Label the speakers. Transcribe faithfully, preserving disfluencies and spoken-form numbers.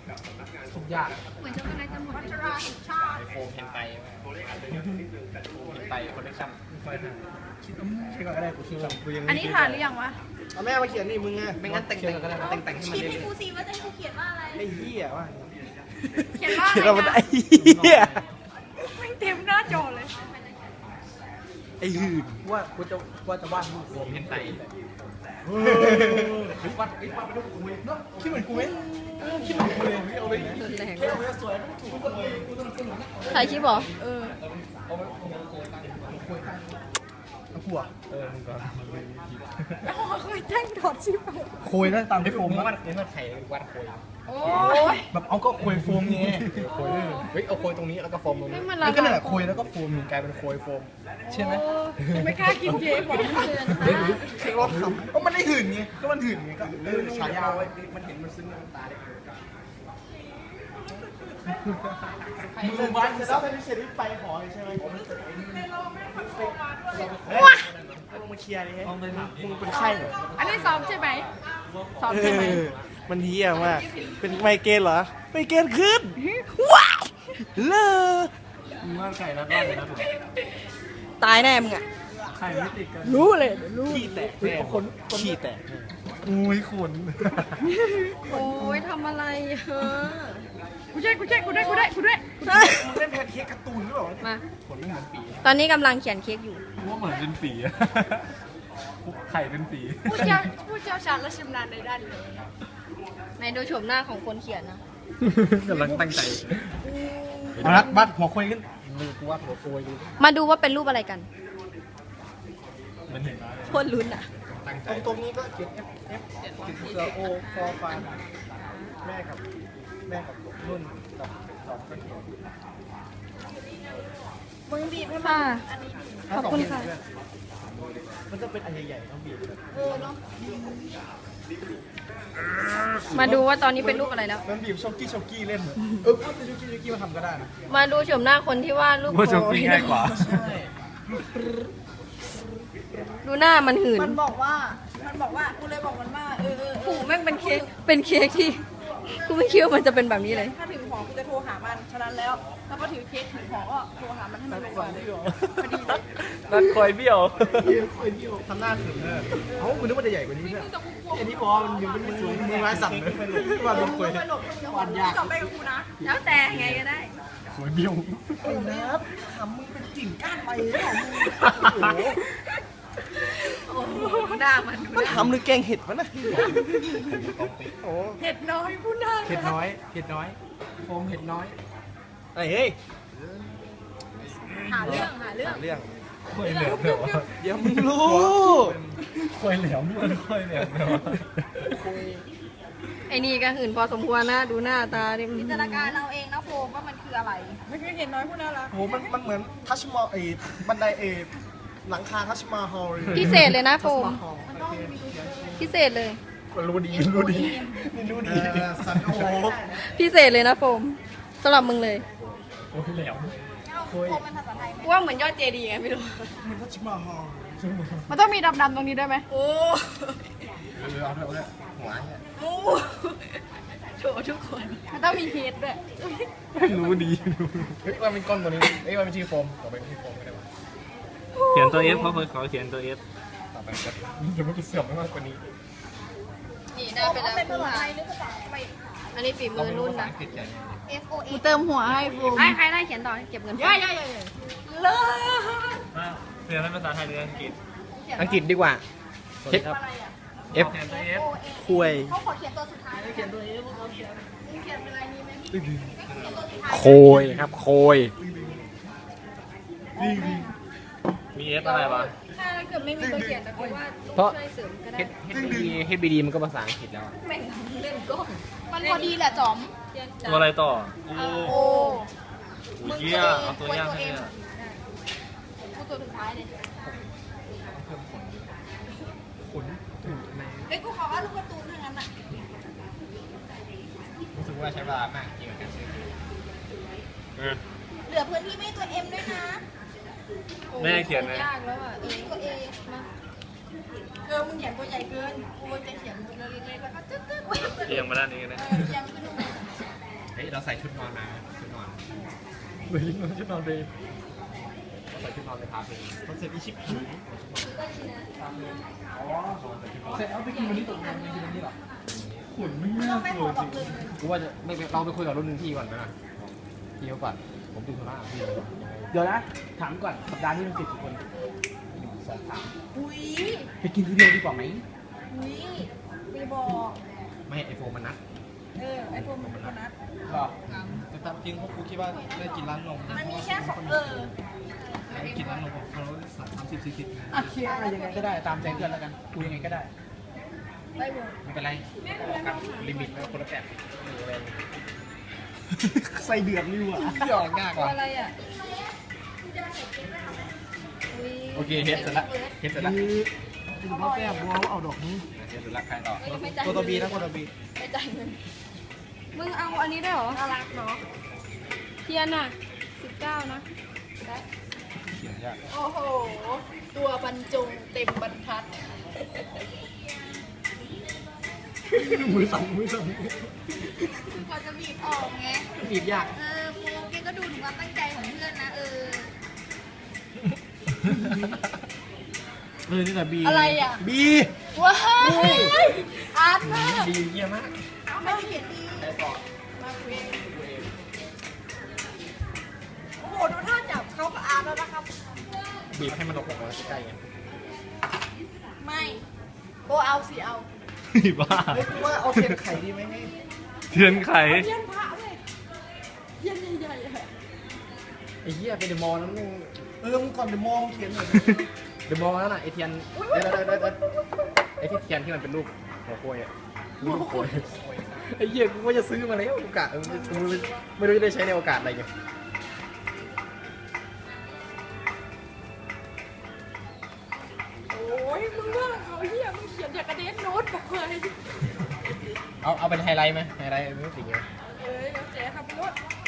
Speaker 1: ทุกยาก
Speaker 2: เหมือนช็อกโกแลตจะหมด
Speaker 1: โฟมเพนไตไตคอลเลคชั่นคิดคิดก่อนก็ได้กูคิดก่อนกูยัง
Speaker 2: อันนี้ถ่านหรือยังวะ
Speaker 1: เอาแม่มาเขียนนี่มึงไงไม่งั้นแต่งแต่งก็ได้แต่งแต่งให้มัน
Speaker 2: คิดให้กูซีว่าจะให้กูเขียนว่าอะไร
Speaker 1: ไอ้เหี้ยว่า
Speaker 2: เขียนว่าอะไรนะ
Speaker 1: ไอ้เหี้ย
Speaker 2: ไม่เต็มหน้าจอเลย
Speaker 1: ไอ้หื่นว่ากูจะว่าจะวาดรูปโฟมเพนไตวาดไอ้วาดเป็นรูปกูเนาะคิดเหมือนกูไหมคิดเหมือนกูเลยเอาไปแค่เอาไปสวยไม่ถูกคนเลยกูต้องสนุกนะ
Speaker 2: ถ่ายคลิปเหรอเออ
Speaker 1: เอาไปเอาขวดเออมึงก่อน
Speaker 2: เคยแจ้งถอดชิป
Speaker 1: โคยนะตามที่โฟมมันนี่มันไข่วัดโคย
Speaker 2: โอ้ย
Speaker 1: แบบเอาก็โคยโฟมไงโคยเฮ้ยเอาโคยตรงนี้แล้วก็โฟมตรงนี้แล้วก็นั่นแหละโคยแล้วก็โฟมกลายเป็นโคยโฟมใช่ไหม
Speaker 2: ไม่กล้ากินเค้กหรอก
Speaker 1: เฮ้ยเค้กรสทำก็มันได้หื่นไงก็มันหื่นไงก็เออฉายาไว้มันเห็นมันซึ้งในตาได้มือบ้านจะต้องเป็นเชฟไปหอใช่ไหมว้าลงมาเคลียร์นี่มึงเป็นไข้เหรอ
Speaker 2: อันนี้ซ้อมใช่ไหมซ้อมใช่ไหม
Speaker 1: มันเฮี้ยมากเป็นไมเกรนเหรอไมเกรนขึ้นว้าวเลอมาไข่แล้วได้เลยนะถูก
Speaker 2: ตายแน่มึงอ่ะ
Speaker 1: ไข่ไม่ติดกัน
Speaker 2: รู้เลยรู้
Speaker 1: ขี้แตกแน่คนขี้แตกอุ้ยขน
Speaker 2: โอ้ยทำอะไรเฮ้อกูช่วยกูช่วยกูได้กูได้กูได้
Speaker 1: เล่นแพนเค้กการ์ตูนหรือเปล่า
Speaker 2: มา
Speaker 1: ขนไม่เหมือนฝี
Speaker 2: ตอนนี้กำลังเขียนเค้กอยู่
Speaker 1: ว่าเหมือนเป็นฝีอะไข่เป็นฝี
Speaker 2: ผู้เชี่ยวผู้เชี่ยวชาญและชำนาญในด้านนี้ในดูโฉมหน้าของคนเขียนนะ
Speaker 1: กำลังตั้งใจเอาละบัดหัวคุยขึ้นมือกูว่าหัวคุยดู
Speaker 2: มาดูว่าเป็นรูปอะไรกัน
Speaker 1: มันเห็น
Speaker 2: โคตรลุ้นอ่ะ
Speaker 1: ตรงตรงนี้ก็เขียน F F เขียนเสือโอฟอร์ฟานแม่กับแม่กับนุ่นกับสองก็เขียน
Speaker 2: มึงบีบให้มาขอบคุณค่ะ
Speaker 1: มันจะเป็นอันใหญ่ๆต้องบีบ
Speaker 2: เออเนาะมาดูว่าตอนนี้เป็นรูปอะไรแล้ว
Speaker 1: มันบีบช็อกกี้ช็อกกี้เล่นเออพูดเป็นช็อกกี้ช็อกกี้มาทำก็ได้นะ
Speaker 2: มาดูโฉมหน้าคนที่ว่ารูปโ
Speaker 1: ช็อกกี้ง่ายกว่า
Speaker 2: ดูหน้ามันหื่น
Speaker 3: มันบอกว่ามันบอกว่ากูเลยบอกมันว่าเออเออ
Speaker 2: ผูแม่งเป็นเค้กเป็นเค้กที่กูไม่คิดว่ามันจะเป็นแบบนี้เลย
Speaker 3: ถ้าถึงหอกูจะโทรหามันฉะนั้นแล้วถ้าพอถือเค้กถึงหอก็โทรหามันให้มันลงก่อนพอดี
Speaker 1: นัดคอยเบี้ยวคอยเบี้ยวทำหน้าถึงเลยเอ้าคุณนึกว่าจะใหญ่กว่านี้เนี่ยอันนี้พอมันยังไม่สวยมือไม้สั่นเลยว่าลงคอย
Speaker 3: วันยากจบไปกับกูนะ
Speaker 2: แล้วแต่ไงก็ได้
Speaker 1: คอยเบี้ยว
Speaker 3: ไอ้นับทำมึงเป็นกิ่งก้านไปแล้ว
Speaker 2: โอ้โหหน้ามัน
Speaker 1: มันทำหรือแกงเห็ดวะนะ
Speaker 3: เห็ดน้อยพูดได้
Speaker 1: เห็ดน้อยเห็ดน้อยโฟมเห็ดน้อยไอ้เฮ้ย
Speaker 3: หาเรื่องหาเรื่อง
Speaker 1: เรื่องค่อยเหลวเดี๋ยวเดี๋ยวมึงรู้ค่อยเหลวมันค่อยเหลวเดี๋ยว
Speaker 2: ไอ้นี่ก็หื่นพอสมควรนะดูหน้าตาดิ
Speaker 3: จินตนาการเอาเองนะโฟมว่ามันคืออะไรไม่เคยเห็นน้อยพูดน่ารัก
Speaker 1: โหมันมันเหมือนทัชมอลไอ้บันไดเอหลังคาทัชมาฮอล
Speaker 2: พิเศษเลยนะโฟมพิเศษเลย
Speaker 1: รู้ดีรู้ดีรู้ดีสันโอ
Speaker 2: พิเศษเลยนะโฟมสำหรับมึงเลย
Speaker 1: โอ้ยแหลว
Speaker 2: ว่าเหมือนยอดเจดีย์ไงไม่รู้
Speaker 1: มันทัชมาฮอล
Speaker 2: มันต้องมีดำๆตรงนี้ด้วยไหมโอ้
Speaker 1: เออเอาเลยเอาเลยหัวเนี่ย
Speaker 2: โอ้โชว์ทุกคนมันต้องมีเฮดด้วย
Speaker 1: รู้ดีเฮ้ยว่าเป็นก้อนตัวนี้เฮ้ยว่าเป็นชื่อโฟมต่อไปเป็นชื่อโฟมก็ได้วะ
Speaker 4: เขียนตัว F เพราะเคยขอเขียนตัว F
Speaker 1: ต่อไปจะจะไม่เสื่อมมากกว่านี้
Speaker 2: นี่ได้ไปแล้วคุณค่ะอันนี้ฝีมือรุ่นนะ
Speaker 3: F O A
Speaker 2: กูเติมหัวให้ฟูให้ใครได้เขียนต่อเก็บเงิน
Speaker 3: เยอะเยอะเยอะเลิศ
Speaker 4: เรียนภาษาไทยหรืออังกฤษ
Speaker 1: อังกฤษดีกว่า F คุย
Speaker 3: เขาขอเขียนตัวสุดท้ายเขียนตัว F เขาเขียนเขียนเป็นอะไรนี้ไหม
Speaker 1: โคยครับโคย
Speaker 4: มี F อะไรวะ
Speaker 2: ถ้าเกิดไม่มีตัวเขียนแต่ว่า
Speaker 1: เพราะ
Speaker 2: ช่วยเสริมก็ได้
Speaker 1: H B D มันก็ภาษาอังกฤษแล้ว
Speaker 2: แม่งเล่นก้อง
Speaker 3: มันพอดีแหละจอม
Speaker 4: ตัวอะไรต่อ
Speaker 3: โอ้
Speaker 4: มึงเกี้ยเอาตัวยากให้เนี่ย
Speaker 3: กูตัวสุดท้ายเลย
Speaker 1: ขนถูกใน
Speaker 3: เฮ้ยกูขอว่าลูกการ์ตูนทั้งนั้นอ่ะ
Speaker 1: รู้สึกว่าใช้เวลามากจริงกับการซื้อ
Speaker 3: เหลือพื้นที่ไม่ตัว M ด้วยนะ
Speaker 4: ไม่ได้เขียนเลย
Speaker 2: ยากแล้วอ่ะ
Speaker 3: ตัว A ตัว A มาเออมึงเขียนตัวใหญ่เกินกูจะเขียนตัวเล็กๆแล้วก็ตึ๊ดตึ๊ด
Speaker 4: เรียงมาด้านนี้นะ
Speaker 3: เรียงขึ้นมา
Speaker 1: เราใส่ชุดนอนมาชุดนอน
Speaker 5: เฮ้ยมันจะนอนเลย
Speaker 1: ใส่ชุดนอนไปพาไปคอนเซ็ปต์อีชิปผีอ๋อเสร็จเอาไปกินวันนี้ตกงานไปกินวันนี้หรอ
Speaker 5: ขุนไม่น่ากลัวจริงกูว่าจะไม่เราไปคุยกับรุ่นหนึ่งพี่ก่อนนะพี่เขาก่อนผมดูธุระพี่เดี๋ยวนะถามก่อนสัปดาห์นี้มันติดกี่คนสองสาม
Speaker 3: อุ้ย
Speaker 5: ไปกินทีเดียวดีกว่าไหม
Speaker 3: อุ้ยมีบอก
Speaker 1: ไม่ไอโฟนมันนัด
Speaker 3: เออไอโฟนมันเป็นคนนัด
Speaker 5: หรอ
Speaker 1: แต่ตามจริงพวกกูคิดว่าได้กินร้านนม
Speaker 3: มันมีแค่สองเออ
Speaker 1: กินร้านนมเขาสามสามสิบสี่สิบ
Speaker 5: โอเคอะไรยังไงก็ได้ตามใจเพื่อนแล้วกันกูยังไงก็ได้
Speaker 3: ไปหมด
Speaker 1: ไม่เป็นไรกับลิมิตแล้วคนละแบบใส่เดือดนี่หว่าหยอกยาก
Speaker 3: ตัว
Speaker 1: ว่ะ
Speaker 3: อะไรอ่ะ
Speaker 1: โอเคเฮ็ดเสร็จละเฮ็ดเสร็จละคือพ่อแก้บัวเอาดอกนี้เฮ็ดเสร็จละใครต่อตัวตัวบีนะตัวตัวบี
Speaker 3: ไม่จ่ายเงิน
Speaker 2: มึงเอาอันนี้ได้วยเหรอ
Speaker 3: น่ารักเนาะ
Speaker 2: เทียนอ่ะสิบเก้านะ
Speaker 3: ได้
Speaker 1: เขียนยาก
Speaker 3: โอ้โห ตัวบรรจงเต็มบรรทัด
Speaker 1: มือสั่นมือสั่น
Speaker 6: พอจะบีบออกไง
Speaker 1: บีบยาก
Speaker 6: เออโฟกแกก็ดูถึงความตั้งใจของเพื่อนนะ เออ
Speaker 1: เออนี่แหละบี
Speaker 3: อะไรอ่ะ
Speaker 1: บี
Speaker 3: ว้ายอาร์ตมาก
Speaker 1: บีเยี่ยมมาก
Speaker 6: เอาไม่เขียนดี
Speaker 1: ใครต่อ
Speaker 3: มาเวโอ้โห ดูท่าจับเขากับอาร์ตแล้วนะครับ
Speaker 1: บีบให้มันออกมาใกล้ๆไง
Speaker 3: ไม่โอเอาสิเอา
Speaker 4: บ้า
Speaker 1: เฮ้ยกูว่าเอาเทียนไข่ดีไหมให้
Speaker 4: เทียนไข
Speaker 3: เทียนพระเลยเทียนใหญ่ๆอะ
Speaker 5: ไอ้เหี้ยไปเดอะมอลล์นั้นมึง
Speaker 1: เออมึงก่อนเดี๋ยวมองเขียนหน่อย
Speaker 5: เดอะมอลล์นั่นน่ะไอเทียนเดี๋ยวเดี๋ยวเดี๋ยวเดี๋ยวไอที่เทียนที่มันเป็นรูปหัวโคยอ่ะรูปโคยไอ้เหี้ยกูว่าจะซื้อมาแล้วโอกาสกูไม่รู้จะได้ใช้ในโอกาสอะไรไง
Speaker 3: โอ้ยมึงว่าเขาเฮียมึงเขียนอย่างกระเด็นโน้ตบอกเลย
Speaker 5: เอาเอาเป็นไฮไลท์ไหมไฮไลท์ไม่ติดไง
Speaker 3: เอ้ยเดี๋ยวเจ๊ทำรถ